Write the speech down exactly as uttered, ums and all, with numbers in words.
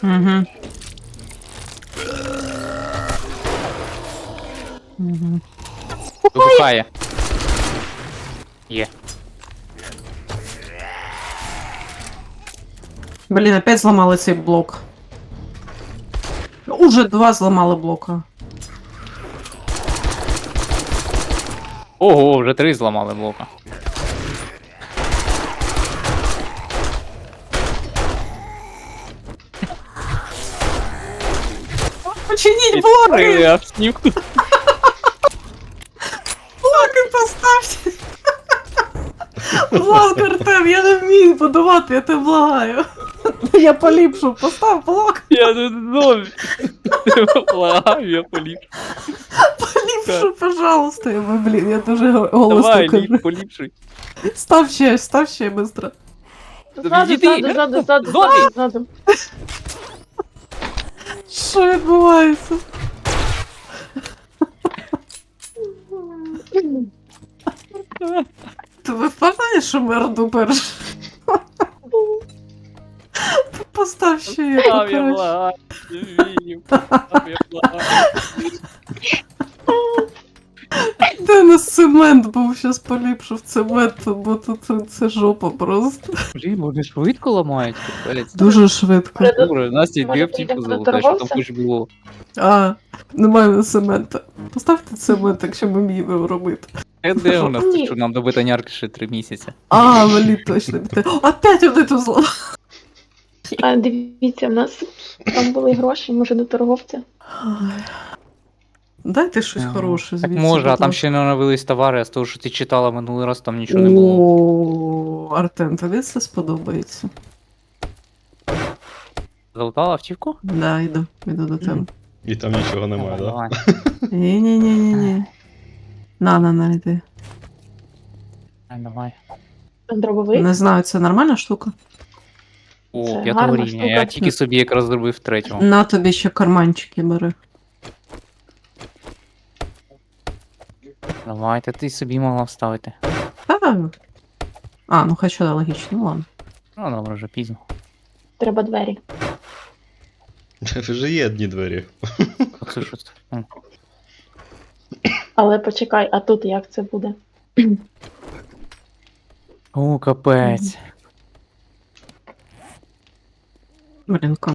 Угу. Угу. Вибухає. Є. Блін, опять зламали цей блок. Уже два зламали блока. Ого, вже три зламали блока. Починіть блоки! Реакцію. Блоки поставте! Будь ласка, Артем, я не вмію будувати, я тебе благаю. Я поліпшу, постав блок. Я не знаю. Благаю, я поліп. Поліпшу, пожалуйста. Я, блін, я дуже голосно Давай, кажу. ліп, поліпшуй. Став ще, став ще, быстро. Ззаду, Відійди. ззаду, ззаду, ззаду, Ззаду. ззаду. Що відбувається? Ти ви впевнені, що ми Орду перш? Постав ще я Став, я покраще. благаю. Не вмію. Став, я благаю. Де на цемент був, щас поліпшив цемент, бо тут це жопа просто. Блін, вони швидко ламають, капець. Дуже швидко. Добре, Настя, Може, дві аптеки підемо до залутаєш, що там торговця? хоч було. А, немає цемента. Поставте цемент, якщо ми вміємо робити. Е, де у нас, Ні. що нам до бетонярки ще три місяці? А, валі, точно. О, опять вони тут зламали. А, дивіться, в нас там були гроші, може до торговця. Дайте щось Ага. хороше Так звідси. може, а будь там ласка. ще не оновились товари, а з того, що ти читала минулий раз, там нічого не було. О, Артем, тобі це сподобається. Залутала автівку? Да, йду, йду до тебе. І там нічого немає, так? Давай. Ні-ні-ні-ні-ні. На, на, на, йди. Давай, давай. Дробовик. Не знаю, це нормальна штука? О, Це п'ятого гарна рівня. штука. Я тільки собі якраз зробив третього. На тобі ще карманчики бери. Давайте, ти собі могла вставити. А, а ну хоча да, логічно, ну ладно. Ну, добре, вже пізно. Треба двері. Вже є одні двері. Оце що це? М. Але почекай, а тут як це буде? О, капець. Блін,